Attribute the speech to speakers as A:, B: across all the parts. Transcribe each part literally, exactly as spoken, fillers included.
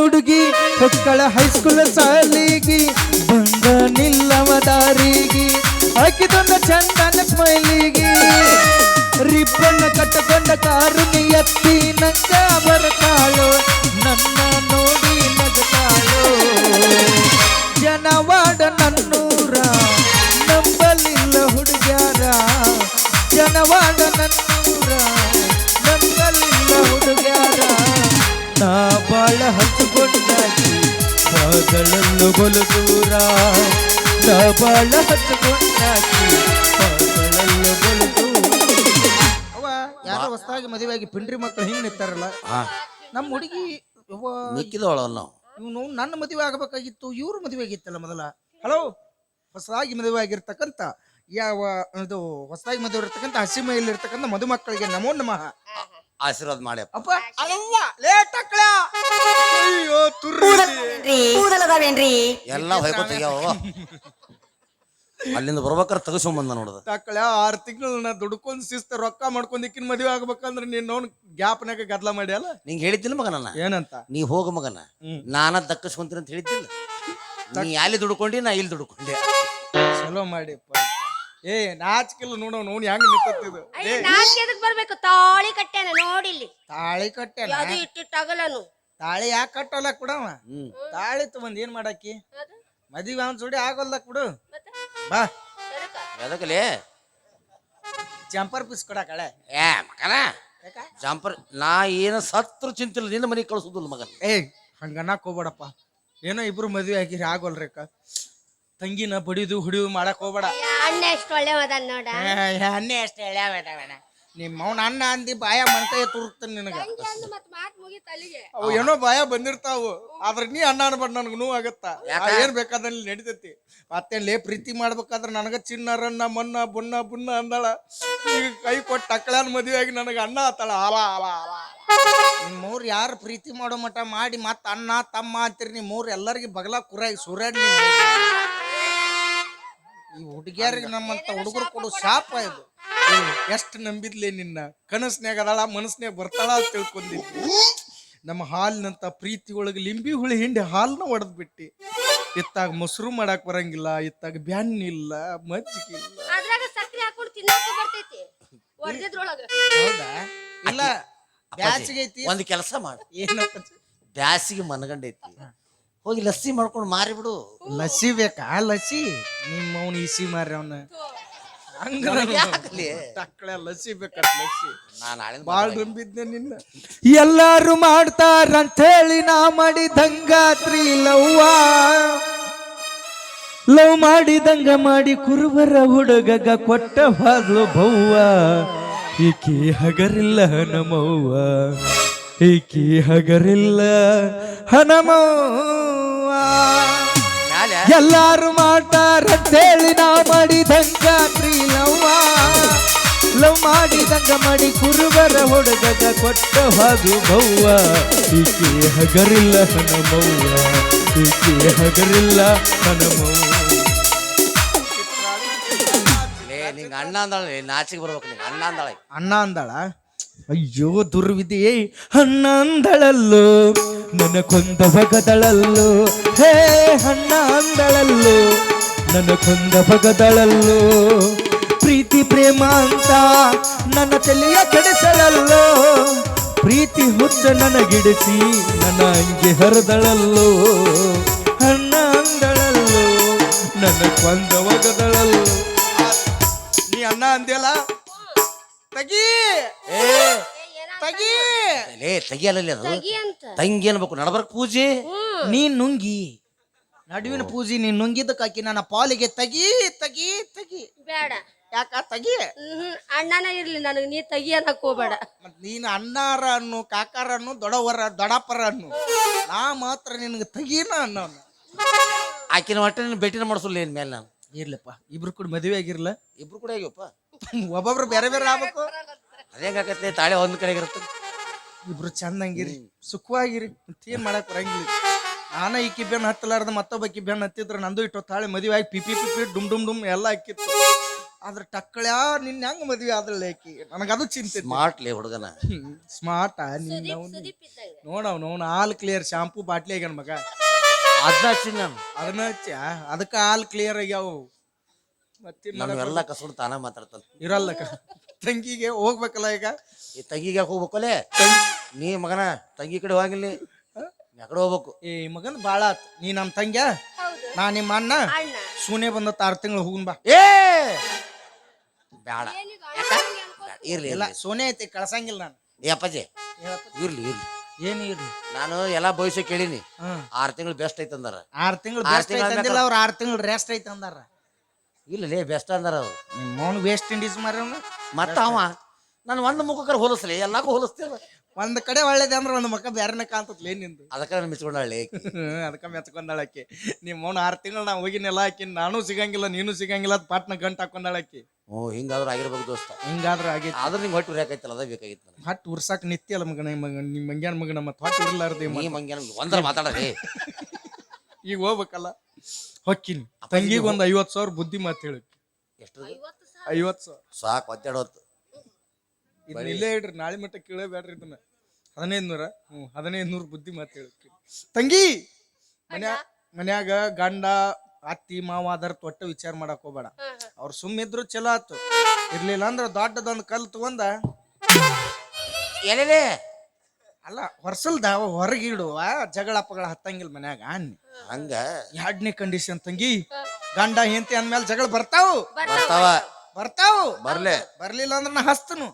A: ಹುಡುಗಿ ಹೊಕ್ಕಳ ಹೈಸ್ಕೂಲ್ ಸಾಲಿಗಿ ಬಂದ ನಿಲ್ಲವ ದಾರಿಗೆ ಹಾಕಿದೊಂದ ಚಂದನ ಸ್ಮೈಲಿಗಿ ರಿಬ್ಬನ್ನ ಕಟ್ಟಕೊಂಡ ಕಾರು ಎತ್ತಿ ನಂಗ ಬರ್ತಾಳು ನನ್ನ ನೋಡಿ ನಗತಾಳು ಜನವಾಡ ನನ್ನೂರ ನಂಬಲಿಲ್ಲ ಹುಡುಗ್ಯಾರ ಜನವಾಡ ನನ್ನೂರ ನಂಬಲಿಲ್ಲ ಹುಡುಗ್ಯಾರ ನಾ ಬಾಳ ಹಚ್ಚಿಕೊಂಡಾಗಿ ಪಾದಳಲ್ಲು ಬಲು ದೂರ ನಾ ಬಾಳ ಹಚ್ಚಿಕೊಂಡಾಗಿ ಪಾದಳಲ್ಲು ಬಲು ದೂರ. ಅವ ಯಾರೋ ಹೊಸದಾಗಿ ಮದುವೆಯಾಗಿ ಪಿಂಡ್ರಿ ಮಕ್ಕಳು ಹಿಂಗ್ ನಿಂತಾರಲ್ಲ ನಮ್ಮ ಹುಡುಗಿ
B: ಮಿಕ್ಕಿದವಳಲ್ಲ
A: ಇವನು ನನ್ನ ಮದುವೆ ಆಗಬೇಕಾಗಿತ್ತು ಇವ್ರ ಮದುವೆ ಆಗಿತ್ತಲ್ಲ ಮೊದಲ. ಹಲೋ, ಹೊಸದಾಗಿ ಮದುವೆ ಆಗಿರ್ತಕ್ಕಂಥ ಯಾವ ಇದು ಹೊಸದಾಗಿ ಮದುವೆ ಇರ್ತಕ್ಕಂಥ ಹಸಿ ಮೈಲಿರ್ತಕ್ಕಂಥ ಮದುಮಕ್ಕಳಿಗೆ ನಮೋ ನಮಃ
B: ಆಶೀರ್ವಾದ ಮಾಡಿ
A: ಅಪ್ಪ. ಅಲ್ಲವ್ವ ಲೇಟ್ ಅಕ್ಕಳ ಅಯ್ಯೋ
C: ಕೂದಲದಾವೇನ್ರಿ
B: ಎಲ್ಲ ಹೊಯ್ಕೋತೀಯವ ಅಲ್ಲಿಂದ ಬರ್ಬೇಕಾರೆ ತಗಸ್ಕೊಂಬಂದ ನೋಡದ
A: ತಕ್ಕಳ ಆರು ತಿಂಗಳನ್ನ ದುಡ್ಕೊಂಡ್ ಶಿಸ್ತ ರೊಕ್ಕ ಮಾಡ್ಕೊಂಡ್ ಇಕ್ಕಿನ ಮದುವೆ ಆಗ್ಬೇಕಂದ್ರೆ ನೀನ್ ನೋಡ್ ಗ್ಯಾಪ್ನಾಗ ಗದ್ಲ ಮಾಡಿ ಅಲ್ಲ
B: ನಿಂಗೆ ಹೇಳಿದ್ದಿಲ್ಲ ಮಗ ನನ್ನ
A: ಏನಂತ
B: ನೀ ಹೋಗ ಮಗನ ನಾನ ದಕ್ಕಸ್ಕೊಂತೀನಿ ಅಂತ ಹೇಳಿದ್ದಿಲ್ಲ. ನೀ ಅಲ್ಲಿ ದುಡ್ಕೊಂಡಿ ನಾ ಇಲ್ಲಿ ದುಡ್ಕೊಂಡೆ
A: ಚಲೋ ಮಾಡಿಪ್ಪ. ಏ ನಾಚಿಕಿಲ್ಲ ನೋಡೋ ನೋಡ್ ಹೆಂಗ್ ನಿಂತಿದ್ದು.
C: ನಾಚಿಕೆದಕ್ ಬರ್ಬೇಕು ತಾಳಿ ಕಟ್ಟ್ಯಾನ ನೋಡಿಲ್ಲಿ
A: ತಾಳಿ ಕಟ್ಟೆ
C: ಅದು ಇಟ್ಟಿಟ್ಟಾಗಲ್ಲನು
A: ತಾಳಿ ಯಾಕೆ ಕಟ್ಟಲ್ಲ ಕೊಡವ ತಾಳಿ ತಗೊಂಡ್ ಏನ್ ಮಾಡಾಕಿ ಮದುವೆ ಅವನ್ ಜೋಡಿ ಆಗೋಲ್ಲ ಕೊಡು ಬಾ
B: ಎದಕಲೇ
A: ಜಂಪರ್ ಪೀಸ್ ಕೊಡಕಳೆ
B: ಏ ಮಗನ ಜಂಪರ್ ನಾ ಏನ ಸತ್ರ ಚಿಂತಿಲ್ಲ ನಿನ್ನ ಮನೆಗೆ ಕಳ್ಸುದಿಲ್ಲ ಮಗನ.
A: ಏ ಹಂಗನ್ನಕ್ ಹೋಗ್ಬೇಡಪ್ಪ. ಏನೋ ಇಬ್ರು ಮದ್ವೆ ಆಗಿರಿ ಆಗೋಲ್ರಿಕ ತಂಗಿನ ಬಡಿದು ಹುಡಿದು ಮಾಡಕ್ ಹೋಗ್ಬೇಡ.
C: ಅಣ್ಣ ಎಷ್ಟು ಒಳ್ಳೆ ಮದ ನೋಡ
A: ಅನ್ನೇ ಅಷ್ಟೇ ಎಳ್ಯಾಬೇಡ ನಿಮ್ಮ ಅವ್ನ ಅನ್ನ ಅಂದಿ ಬಾಯ ಮನ್ಕೈ ತುರುಕ್ತಾನೆ ನಿನಗ. ಅವು ಏನೋ ಬಾಯ ಬಂದಿರ್ತಾವು ಆದ್ರ ನೀ ಅನ್ನ ಅನ್ಬಾರ್ದು ನನಗೆ ನೋವು ಆಗತ್ತ. ಏನ್ ಬೇಕಾದಲ್ಲಿ ನಡಿತೈತಿ. ಮತ್ತೇನ್ ಲೇ ಪ್ರೀತಿ ಮಾಡ್ಬೇಕಾದ್ರ ನನಗ ಚಿನ್ನರನ್ನ ಮನ್ನ ಬುನ್ನ ಬುನ್ನ ಅಂದಾಳ. ಈಗ ಕೈ ಕೊಟ್ಟು ಟಕ್ಕಳನ್ ಮದುವೆ ಆಗಿ ನನಗ ಅನ್ನ ಆತಾಳ ಆಲ ಆಲ ಆಲ. ನಿಮ್ ಮೂರ್ ಯಾರು ಪ್ರೀತಿ ಮಾಡೋ ಮಟ ಮಾಡಿ ಮತ್ತ ಅಣ್ಣ ತಮ್ಮ ಅಂತೀರಿ. ನಿಮ್ ಮೂರ್ ಎಲ್ಲರಿಗೂ ಬಗಲ ಕುರಾಗಿ ಸುರಾಡ್. ಈ ಹುಡುಗಿಯರಿಗೆ ನಮ್ಮಂತ ಹುಡುಗರು ಕೊಡು ಶಾಪ ಇದು. ಎಷ್ಟು ನಂಬಿದ್ಲೆ ನಿನ್ನ ಕನಸ್ನ್ಯಾಗ ಅದಾಳ ಮನಸ್ನ್ಯಾಗ ಬರ್ತಾಳ ಅಂತ ತಿಳ್ಕೊಂಡಿದ್ವಿ. ನಮ್ಮ ಹಾಲಿನಂತ ಪ್ರೀತಿ ಒಳಗೆ ಲಿಂಬಿ ಹುಳಿ ಹಿಂಡಿ ಹಾಲನ್ನ ಒಡೆದ್ ಬಿಟ್ಟಿ. ಇತ್ತಾಗ ಮೊಸರು ಮಾಡಕ್ ಬರಂಗಿಲ್ಲ, ಇತ್ತಾಗ ಬ್ಯಾನ್ ಇಲ್ಲ, ಮಜ್ಜಿಗೆ ಇಲ್ಲ. ಹೌದಾ? ಇಲ್ಲ ಬ್ಯಾಸಿಗೆ ಐತಿ.
B: ಒಂದ್ ಕೆಲಸ ಮಾಡ,
A: ಏನಪ್ಪ
B: ಬ್ಯಾಸಿಗೆ ಮನಗಂಡೈತಿ ಹೋಗಿ ಲಸ್ಸಿ ಮಾಡ್ಕೊಂಡು ಮಾರಿ ಬಿಡು.
A: ಲಸ್ಸಿ ಬೇಕಾ? ಲಸ್ಸಿ ನಿಮ್ಮ ಅವ್ನ ಇಸಿ ಮಾರಿ ಅವನ ಟಕ್ಕಳೆ ಲಸ್ಸಿ ಬೇಕತ್ ಲಸ್ಸಿ. ಬಾಳ ನಂಬಿದ್ನೆ ನಿನ್ನ. ಎಲ್ಲಾರು ಮಾಡ್ತಾರಂತ ಹೇಳಿ ನಾ ಮಾಡಿದಂಗಾತ್ರಿ ಲವ್ವ ಲವ್ ಮಾಡಿದಂಗ ಮಾಡಿ ಕುರುಬರ ಹುಡುಗಗ ಕೊಟ್ಟ ಬಾದ್ಲು ಬವ್ವ. ಈಕಿ ಹಗರಿಲ್ಲ ಹನಮವ್ವ, ಈಕಿ ಹಗರಿಲ್ಲ ಹನಮವ್ವ. ಎಲ್ಲಾರು ಮಾಡ್ತಾರಂತೇಳಿ ನಾ ಮಾಡಿದಂಗಾತ್ರಿ ಲವ್ವ ಲವ್ ಮಾಡಿದಂಗ ಮಾಡಿ ಕುರುಬರ ಹುಡುಗಗ ಕೊಟ್ಟ ಹಾದು ಬವ್ವ. ಈಕೆ ಹಗರಿಲ್ಲ ಹನಮವ್ವ, ಈಕೆ ಹಗರಿಲ್ಲ ಹನಮವ್ವ.
B: ನಿಂಗ ಅಣ್ಣ ಅಂದಾಳ ನಾಚಿಗೆ ಬರ್ಬೇಕು. ನಿಂಗ ಅಣ್ಣ ಅಂದಾಳ
A: ಅಣ್ಣ ಅಂದಾಳ. ಅಯ್ಯೋ ದುರ್ವಿಧಿಯೇ ಅಣ್ಣ ಅಂದಳಲ್ಲೋ ನನ್ನ ಕೊಂದ ಬಗದಳಲ್ಲೋ. ಹೇ ಅಣ್ಣ ಅಂದಳಲ್ಲೋ ನನ್ನ ಕೊಂದ ಬಗದಳಲ್ಲೋ. ಪ್ರೀತಿ ಪ್ರೇಮ ಅಂತ ನನ್ನ ತಲೆಯ ಕೆಡಿಸಳಲ್ಲೋ. ಪ್ರೀತಿ ಹುಚ್ಚ ನನಗಿಡಿಸಿ ನನ್ನ ಅಂಗಿ ಹರಿದಳಲ್ಲೋ. ಅಣ್ಣ ಅಂದಳಲ್ಲೋ ನನ್ನ ಕೊಂದ ಬಗದಳಲ್ಲೋ. ನೀ ಅಣ್ಣ ಅಂದ್ಯಲ್ಲ ತಗಿ ತಗಿ
B: ಲೇ ತೆಗಿಯಲ್ಲ ಅದು ತಂಗಿ ಅನ್ಬೇಕು. ನಡಬರ್ಕ್ ಪೂಜೆ
A: ನೀನ್ ನುಂಗಿ ನಡುವಿನ ಪೂಜೆ ನೀನ್ ನುಂಗಿದ್ದಕ್ಕಾಕಿ ನನ್ನ ಪಾಲಿಗೆ ತಗಿ ತಗಿ ತಗಿ
C: ಬೇಡ.
A: ಯಾಕ ತಗಿ?
C: ಅಣ್ಣನ ಇರ್ಲಿ ನನಗೆ ನೀ ತಗಿ ಅನ್ನಕ್ ಹೋಗ್ಬೇಡ.
A: ಮತ್ ನೀನ್ ಅಣ್ಣಾರ ಅನ್ನು ಕಾಕಾರ ಅನ್ನು ದೊಡ್ಡವರ ದೊಡ್ಡಪ್ಪರ ಅನ್ನು ನಾ ಮಾತ್ರ ನಿನ್ಗೆ ತಗೀನ ಅನ್ನೋನ.
B: ಆಕಿನ ಒಟ್ಟ ನೀನು ಭೇಟಿನ ಮಾಡಿಸಲ್ಲ ಏನ್ ಮೇಲೆ ನಾನು.
A: ಇರ್ಲಪ್ಪ ಇಬ್ರು ಕೂಡ ಮದುವೆ ಆಗಿರ್ಲ.
B: ಇಬ್ರು ಕೂಡ ಆಗ್ಯಪ್ಪ.
A: ಒಬ್ಬೊಬ್ರು ಬೇರೆ ಬೇರೆ ಆಗ್ಬೇಕು.
B: ಅದೇಗಾಕತ್ತೆ ತಾಳೆ ಒಂದ್ ಕಡೆ ಇರುತ್ತೆ.
A: ಇಬ್ರು ಚಂದಂಗಿರಿ ಸುಖವಾಗಿರಿ ಏನ್ ಮಾಡಕ್ ಬರಂಗಿಲ್ಲ. ನಾನ ಈಕಿ ಬೆನ್ ಹತ್ತಲಾರ್ದ ಮತ್ತೊಬ್ಬಕಿ ಬೆನ್ ಹತ್ತಿದ್ರ ನಂದು ಇಟ್ಟು ತಾಳೆ ಮದುವೆ ಆಗಿ ಪಿಪಿ ಪಿಪಿ ಡುಮ್ ಡುಮ್ ಡುಮ್ ಎಲ್ಲ ಹಾಕಿತ್ತು. ಆದ್ರ ಟಕ್ಕಳ್ಯಾ ನಿನ್ ಹೆಂಗ್ ಮದ್ವಿ ಆದ್ರಲ್ಲ ಆಕಿ ನನಗದು ಚಿಂತೆ
B: ಸ್ಮಾರ್ಟ್ಲಿ ಹುಡುಗನ
A: ಸ್ಮಾರ್ಟ್ ನಿನ್ನ
C: ಸುದೀಪ್ ಸುದೀಪ್ ಇದ್ದಂಗ
A: ನೋಡವ್ ನೋನ್ ಹಾಲ್ ಕ್ಲಿಯರ್ ಶಾಂಪೂ ಬಾಟ್ಲಿ ಆಗ್ಯಾನ ಮಗ
B: ಅದನ್ನ ಹಚ್ಚಿ ನಾನು
A: ಅದನ್ನ ಹಚ್ಚ ಅದಕ್ಕ ಹಾಲ್ ಕ್ಲಿಯರ್ ಆಗ್ಯಾವ ಮತ್ತೆ
B: ನಾನು ಎಲ್ಲ ಕಸಡು ತಾನ ಮಾತಾಡ್ತಾನೆ
A: ಇರಲ್ಲ ಕ- ತಂಗಿಗೆ ಹೋಗ್ಬೇಕಲ್ಲ ಈಗ
B: ಈ ತಂಗಿಗೆ ಹೋಗ್ಬೇಕಲ್ಲೇ ನೀ ಮಗನ ತಂಗಿ ಕಡೆ ಹೋಗಿಲ್ಲ ಯಾಕಡೆ ಹೋಗ್ಬೇಕು
A: ಈ ಮಗನ್ ಬಾಳ ಆತ್ ನೀ ನಮ್ ತಂಗ್ಯ
C: ಹೌದು
A: ನಾ ನಿಮ್ಮ ಅಣ್ಣ
C: ಅಣ್ಣ
A: ಸೂನೆ ಬಂದತ್ತ ಆರ್ ತಿಂಗಳು ಹೋಗುನ್ ಬಾ
B: ಏ ಬೇಡ
C: ಏನೀಗ ಅಣ್ಣ ಹಂಗೆ ಅನ್ಕೋ-
B: ಇರ್ಲಿ
A: ಇಲ್ಲ
B: ಇಲ್ಲ
A: ಸೋನೆ ಐತಿ ಕಳ್ಸಂಗಿಲ್ಲ ನಾನು
B: ಏ ಅಪ್ಪಾಜಿ ಇರ್ಲಿ ಇರ್ಲಿ
A: ಏನು ಇರ್ಲಿ
B: ನಾನು ಎಲ್ಲಾ ಭವಿಷ್ಯ ಕೇಳೀನಿ
A: ಹ್ಮ್
B: ಆರ್ ತಿಂಗಳು ಬೆಸ್ಟ್ ಐತೆ ಅಂದಾರ
A: ಆರ್ ತಿಂಗಳು
B: ಆರ್
A: ಬೆಸ್ಟ್
B: ತಿಂಗ್ಳು
A: ಐತಿ ಅಂದಿಲ್ಲ ಅವ್ರ ಆರ್ ತಿಂಗಳು ರೆಸ್ಟ್ ಐತಿ ಅಂದಾರ
B: ಇಲ್ಲ ಲೇ ಬೆಸ್ಟ್ ಅಂದಾರ ಅವ್ರು
A: ಮೌನ್ ವೆಸ್ಟ್ ಇಂಡೀಸ್ ಮಾರವ್ನ
B: ಮತ್ತ ಅವ ನಾನು ಒಂದು ಮುಖಕ್ಕರ ಹೋಲಿಸ್ಲಿ ಎಲ್ಲಾಕು ಹೋಲಿಸ್ತೀರ
A: ಒಂದ್ ಕಡೆ ಒಳ್ಳೇದೆ ಅಂದ್ರೆ ಒಂದ್ ಮಕ್ಕ ಬ್ಯಾರನೆ ಕಾಣ್ತತ್ಲೇ ನಿಂದು
B: ಅದಕ್ಕೆ ನಾನು ಮಿಚ್ಕೊಂಡಾಳೆ
A: ಅದಕ್ಕ ಮೆಚ್ಕೊಂಡಾಳಕ್ಕಿ ನಿಮ್ಮ ಮೌನ ಆರ್ ತಿಂಗಳು ನಾ ಹೋಗಿನೆಲ್ಲ ಆಕಿ ನಾನು ಸಿಗಂಗಿಲ್ಲ ನೀನು ಸಿಗಂಗಿಲ್ಲ ಅದ್ ಪಾಟ್ನ ಗಂಟ್ ಹಾಕೊಂಡಾಳಕ್ಕಿ
B: ಹ್ಞೂ ಹಿಂಗಾದ್ರೂ ಆಗಿರ್ಬೇಕು ದೋಸ್ತ
A: ಹಿಂಗಾದ್ರ ಆಗೈತಿ
B: ಆದ್ರೆ ನಿಂಗೆ ಹೊಟ್ಟು ಉರಿಯಾಕೈತಲ್ಲ ಅದ ಬೇಕಾಗಿತ್ತು ನನಗೆ
A: ಹಟ್ ಉರ್ಸಾಕ್ ನಿತ್ಯ ಅಲ್ಲ ಮಗನ ಮಗ ನಿಮ್ ಮಂಗ್ಯಾನ ಮಗನ ಮತ್ ಹೊಟ್ಟು ಉರ್ಲಾರ್ದೆ
B: ನೀ ಮಂಗ್ಯಾನ ಒಂದರ ಮಾತಾಡರಿ
A: ಈಗ ಹೋಗ್ಬೇಕಲ್ಲ ಹೊಕ್ಕಿನಿ ತಂಗಿಗೆ ಒಂದ್ ಐವತ್ ಸಾವಿರ ಬುದ್ಧಿ ಮಾತು ಹೇಳಿ
B: ಎಷ್ಟು
C: ಐವತ್ತು ಸಾವಿರ
A: ಐವತ್ ಸಾವಿರ
B: ಸಾಕು ಒತ್ತಡ ಹೊತ್ತು
A: ಇದನ್ನ ಇಲ್ಲೇ ಇಡ್ರಿ ನಾಳೆ ಮಟ್ಟ ಕೇಳಬೇಡ್ರಿ ಇದನ್ನ ಹದಿನೈದು ನೂರ ಹ್ಞೂ ಹದಿನೈದು ನೂರು ಬುದ್ಧಿ ಮಾತು ಹೇಳಕ್ಕೆ ತಂಗಿ ಮನ್ಯಾ ಮನ್ಯಾಗ ಗಂಡ ಅತ್ತಿ ಮಾವ ಅದರ ತೊಟ್ಟ ವಿಚಾರ ಮಾಡಕ್ ಹೋಗ್ಬೇಡ ಅವ್ರು ಸುಮ್ಮಿದ್ರು ಚಲೋ ಆತು ಇರ್ಲಿಲ್ಲ ಅಂದ್ರ ದೊಡ್ಡದೊಂದು ಕಲ್ ತಗೊಂಡ
B: ಎಲ್ಲೇ
A: ಅಲ್ಲ ಹೊರ್ಸಲ್ದ ಹೊರಗಿಡುವ ಜಗಳ ಪಗಳ ಹತ್ತಂಗಿಲ್ಲ ಮನ್ಯಾಗ ಅನ್ನಿ
B: ಹಂಗ
A: ಎರಡನೇ ಕಂಡೀಷನ್ ತಂಗಿ ಗಂಡ ಹೆಂಡತಿ ಅಂದ್ಮೇಲೆ ಜಗಳ ಬರ್ತಾವು
B: ಬರ್ತಾವ
A: ಬರ್ತಾವು
B: ಬರ್ಲೆ
A: ಬರ್ಲಿಲ್ಲ ಅಂದ್ರ ನಾ ಹಸ್ತನು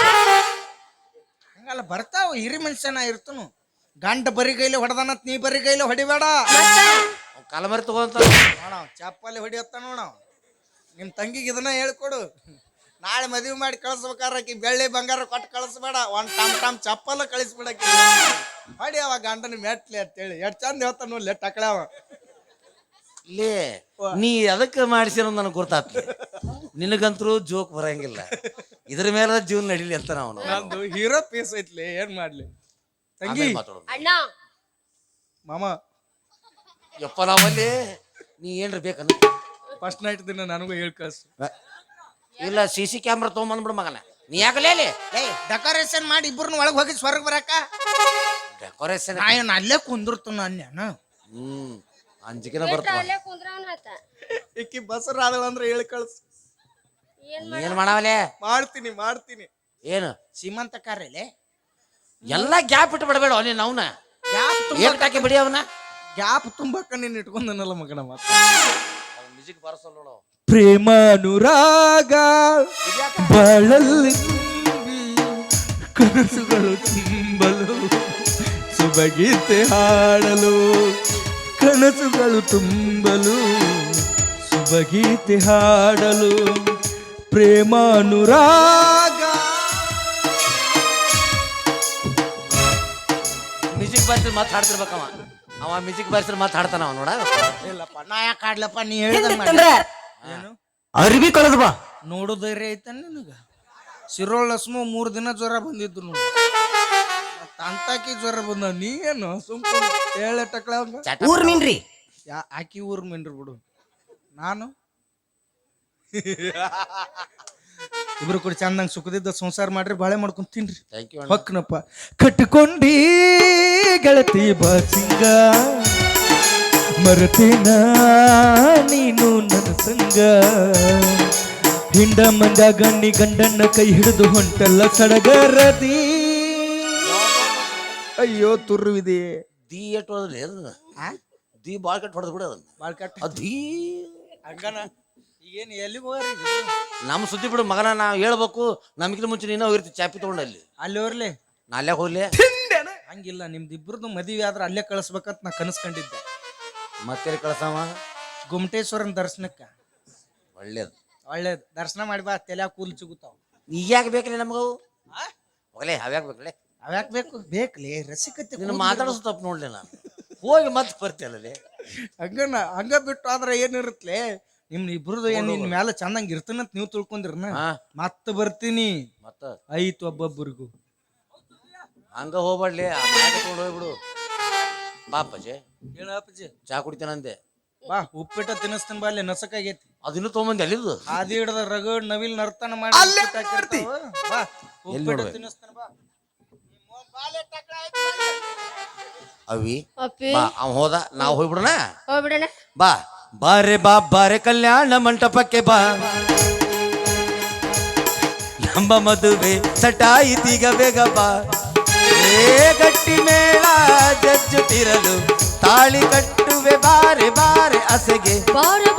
A: ಹಂಗಲ್ಲ ಬರ್ತಾವ ಹಿರಿ ಮನುಷ್ಯನ ಇರ್ತನು ಗಂಡ ಬರಿ ಗೈಲಿ ಹೊಡೆದನತ್ ನೀ ಬರಿ ಗೈಲಿ ಹೊಡಿಬೇಡ
B: ಕಾಲಮರಿ ತಗೊಂತ
A: ನೋಡವ್ ಚಪ್ಪಲಿ ಹೊಡಿಯತ್ತ ನೋಡವ್ ನಿಮ್ ತಂಗಿಗೆ ಇದನ್ನ ಹೇಳ್ಕೊಡು ನಾಳೆ ಮದುವೆ ಮಾಡಿ ಕಳಿಸ್ಬೇಕಾರ ಆಕಿ ಬೆಳ್ಳಿ ಬಂಗಾರ ಕೊಟ್ಟು ಕಳಿಸ್ಬೇಡ ಒಂದ್ ಟಮ್ ಟಮ್ ಚಪ್ಪಲ ಕಳಿಸ್ಬಿಡಕಿ ಹೊಡಿ ಅವ ಗಂಡನ ಮೆಟ್ಲಿ ಅಂತೇಳಿ ಎಷ್ಟ್ ಚಂದ ಹೇಳ್ತಾನ ನೋಡ್ಲಿ ಟಕಳ್ಯಾವ
B: ಲೇ ನೀ ಅದಕ್ಕೆ ಮಾಡಿಸಿರೋ ನನಗೆ ಗೊತ್ತಾಗ್ತದೆ ನಿನಗಂತರೂ ಜೋಕ್ ಬರಂಗಿಲ್ಲ ಇದ್ರ ಮೇಲೆ ಜೀವನ ನಡೀಲಿ ಅಂತ ನಾವು
A: ನಂದು ಹೀರೋ ಪೀಸ್ ಐತ್ಲಿ ಏನ್ ಮಾಡ್ಲಿ ತಂಗಿ
B: ಮಾತಾಡೋದು
C: ಅಣ್ಣ
A: ಮಾಮ
B: ಯಪ್ಪ ನಾವಲ್ಲಿ ನೀ ಏನ್ರ ಬೇಕನ್ನ
A: ಫಸ್ಟ್ ನೈಟ್ ದಿನ ನನಗೂ ಹೇಳ್ ಕಳ್ಸು
B: ಇಲ್ಲ ಸಿ ಸಿ ಕ್ಯಾಮ್ರಾ ತೊಗೊಂಬಂದ್ಬಿಡು ಮಗನ ನೀ ಯಾಕಲೇ
A: ಏಯ್ ಡೆಕೋರೇಷನ್ ಮಾಡಿ ಇಬ್ಬರನ್ನ ಒಳಗೆ ಹೋಗಿ ಸ್ವರ್ಗ ಬರಾಕ
B: ಡೆಕೋರೇಷನ್
A: ನಾ ಏನ್ ಅಲ್ಲೇ ಕುಂದಿರ್ತು ಅನ್ಯಾನ
B: ಹ್ಮ್ ಅಂಜಿಕೆನ ಬರ್ತಾವ
C: ಅಲ್ಲೇ ಕುಂದ್ರವನ್ ಹತ್ತ
A: ಇಕ್ಕಿ ಬಸರ ಆದಳ ಅಂದ್ರೆ ಹೇಳಿ ಕಳ್ಸು
C: ಏನ್
B: ಏನ್ ಮಾಡವಲೆ
A: ಮಾಡ್ತೀನಿ ಮಾಡ್ತೀನಿ
B: ಏನು
A: ಸೀಮಂತ ಕಾರ್ಯಲೆ
B: ಎಲ್ಲ ಗ್ಯಾಪ್ ಇಟ್ಟು ಬಿಡಬೇಡ ನೀನ್ ಅವನ
A: ಗ್ಯಾಪ್
B: ಏನ್ ಹಾಕಿ ಬಿಡಿ ಅವನ
A: ಗ್ಯಾಪ್ ತುಂಬಕ್ಕ ನೀನ್ ಇಟ್ಕೊಂಡನಲ್ಲ ಮಗನ ಮಾತು
B: ಮ್ಯೂಸಿಕ್ ಬಾರಿಸಲ್ಲ ನೋಡು
A: ಪ್ರೇಮಾನುರಾಗ ಬಾಳಲ್ಲಿ ಕನಸುಗಳು ತುಂಬಲು ಸುಬಗೀತೆ ಹಾಡಲು ಕನಸುಗಳು ತುಂಬಲು ಸುಬಗೀತೆ ಹಾಡಲು ಪ್ರೇಮಾನುರಾಗ
B: ಮ್ಯೂಸಿಕ್ ಬಾರಿಸಿ ಮಾತು ಹಾಡ್ತಿರ್ಬೇಕವ ಅವ ಮ್ಯೂಸಿಕ್ ಬಾರಿಸಿ ಮಾತು ಹಾಡ್ತಾನ ಅವ ನೋಡ
A: ಇಲ್ಲಪ್ಪ ನಾ ಯಾಕೆ ಆಡ್ಲಪ್ಪ ನೀ ಹೇಳಿದಂಗ ಏನು
B: ಅರ್ಬಿ ಕಳೆದ ಬಾ
A: ನೋಡು ಧೈರ್ಯ ಐತ ನಿನಗ ಸಿರೋಳ್ ಲಸ್ಮು ಮೂರ್ ದಿನ ಜ್ವರ ಬಂದಿದ್ದು ನೋಡಿ ತಂತಾಕಿ ಜ್ವರ ಬಂದ ನೀ ಏನು ಸುಮ್ಕ ಹೇಳ ಟಕ್ಳ
B: ಊರ್ ಮೀನ್ರಿ
A: ಯಾ ಆಕಿ ಊರ್ ಮೆನ್ರಿ ಬಿಡು ನಾನು ಇಬ್ರು ಕೂಡ ಚಂದಂಗ್ ಸುಖದಿದ್ದ ಸಂಸಾರ ಮಾಡ್ರಿ ಬಾಳೆ ಮಾಡ್ಕೊಂಡ್ ತಿನ್ರಿ
B: ಥ್ಯಾಂಕ್ ಯು
A: ಹೊಕ್ಕನಪ್ಪ ಕಟ್ಕೊಂಡಿ ಗೆಳತಿ ಬಾಸಿಂಗ ಮರತೇನ ನೀನು ನನ್ನ ಸಂಗ ಹಿಂಡ ಮಂದ ಗಣ್ಣಿ ಗಂಡನ್ನ ಕೈ ಹಿಡಿದು ಹೊಂಟಲ್ಲ ಸಡಗರದಿ ಅಯ್ಯೋ ತುರುವಿದೆ
B: ದಿ ಎಟ್ ಹೊಡೆದ್ರಿ ಅದನ್ನ ದಿ ಬಾಳ್ ಕಟ್ ಹೊಡೆದ್ ಬಿಡ ಅದನ್ನ
A: ಬಾಳ್ ಕಟ್
B: ಅಧೀ
A: ಹಂಗನ ಈಗೇನು ಎಲ್ಲಿಗೆ ಹೋಗ್ರಿ
B: ನಮ್ಮ ಸುದ್ದಿ ಬಿಡು ಮಗನ ನಾವು ಹೇಳ್ಬೇಕು ನಮ್ಗಿಂತ ಮುಂಚೆ ನೀನು ಹೋಗಿರ್ತಿ ಚಾಪಿ ತಗೊಂಡು ಅಲ್ಲಿ
A: ಅಲ್ಲಿ ಹೋರ್ಲಿ
B: ನಾ ಅಲ್ಲೇ ಹೋಗ್ಲಿ
A: ಹಂಗಿಲ್ಲ ನಿಮ್ದು ಇಬ್ರದ್ದು ಮದುವೆ ಆದ್ರೆ ಅಲ್ಲೇ ಕಳಿಸ್ಬೇಕಂತ ನಾ ಕನಸ್ಕೊಂಡಿದ್ದೆ
B: ಮತ್ತೆ ಕಳ್ಸವ
A: ಗುಮಟೇಶ್ವರನ ದರ್ಶನಕ್ಕ
B: ಒಳ್ಳೇದು
A: ಒಳ್ಳೇದು ದರ್ಶನ ಮಾಡಿ ಬಾ ತಲೆ ಕೂಲ್ ಸಿಗುತ್ತಾವ
B: ಈಗ ಯಾಕೆ ಬೇಕಲ್ಲ ನಮಗವು ಹೋಗಲೇ ಅವ್ಯಾಕ ಬೇಕಲೇ
A: ಅವ್ಯಾಕ್ ಬೇಕು ಬೇಕ್ಲಿ ರಸಿಕತೆ
B: ನೀನು ಮಾತಾಡೋದು ತಪ್ಪು ನೋಡ್ಲಿ ನಾನು ಹೋಗಿ ಮತ್ತೆ ಬರ್ತೀಯಲ್ಲೇ
A: ಹಂಗನ ಹಂಗ ಬಿಟ್ಟು ಆದ್ರೆ ಏನಿರುತ್ತಲೆ ನಿಮ್ ಇಬ್ರದ್ದು ಏನ್ ನಿನ್ ಮ್ಯಾಲ ಚಂದಂಗ್ ಇರ್ತನಂತ ನೀವು ತಿಳ್ಕೊಂಡಿರ್ನ
B: ಹಾ
A: ಮತ್ತ ಬರ್ತೀನಿ
B: ಮತ್ತ
A: ಐತ್ ಒಬ್ಬೊಬ್ಬರಿಗೂ
B: ಹಂಗ ಹೋಗ್ಬಾಡ್ಲಿ ಆ ಮ್ಯಾಗ ತಗೊಂಡು ಹೋಗ್ಬಿಡು ಬಾ ಅಪ್ಪಾಜಿ
A: ಹೇಳ ಅಪ್ಪಾಜಿ
B: ಚಾ ಕುಡಿತೇನಂದೆ
A: ಬಾ ಉಪ್ಪಿಟ್ಟ ತಿನ್ನಿಸ್ತೀನಿ ಬಾ ಅಲ್ಲಿ ನಸಕಾಗೈತಿ
B: ಅದಿನ್ನೂ ತೊಗೊಂಬಂದಿ ಅಲ್ಲಿದ್ದು
A: ಆದಿ ಹಿಡ್ದ ರಗಡ್ ನವಿಲ್ ನರ್ತನ ಮಾಡಿ
D: ಅಲ್ಲೇ
A: ಉಪ್ಪಿಟ್ಟು ಹಾಕಿರ್ತಾವ. ಬಾ
B: ಎಲ್ಲಿ
A: ಉಪ್ಪಿಟ್ಟು
B: ನೋಡ್ಬೇಕು?
A: ತಿನ್ನಿಸ್ತಾನ ಬಾ. ನಿಮ್ಮ ಅವ್ನ್ ಬಾಲೆ ಟಕ್ಳ ಆಯ್ತು ಬಾಲೆ.
B: ಅವಿ
C: ಅಪ್ಪಿ
B: ಬಾ ಅವ್ ಹೋದ ನಾವು ಹೋಗ್ಬಿಡೋಣ
C: ಹೋಗ್ಬಿಡಣ.
B: ಬಾ ಬಾರೆ ಬಾ ಬಾರೆ ಕಲ್ಯಾಣ ಮಂಟಪಕ್ಕೆ ಬಾ ನಮ್ಮ ಮದುವೆ ಸಟಾಯಿತೀಗ ಬೇಗ ಬಾ ಏ ಗಟ್ಟಿ ಮೇಳ ಜಜ್ಜುತ್ತಿರಲು ತಾಳಿ ಕಟ್ಟುವೆ ಬಾರೆ ಬಾರೆ ಅಸೆಗೆ
C: ಬಾರ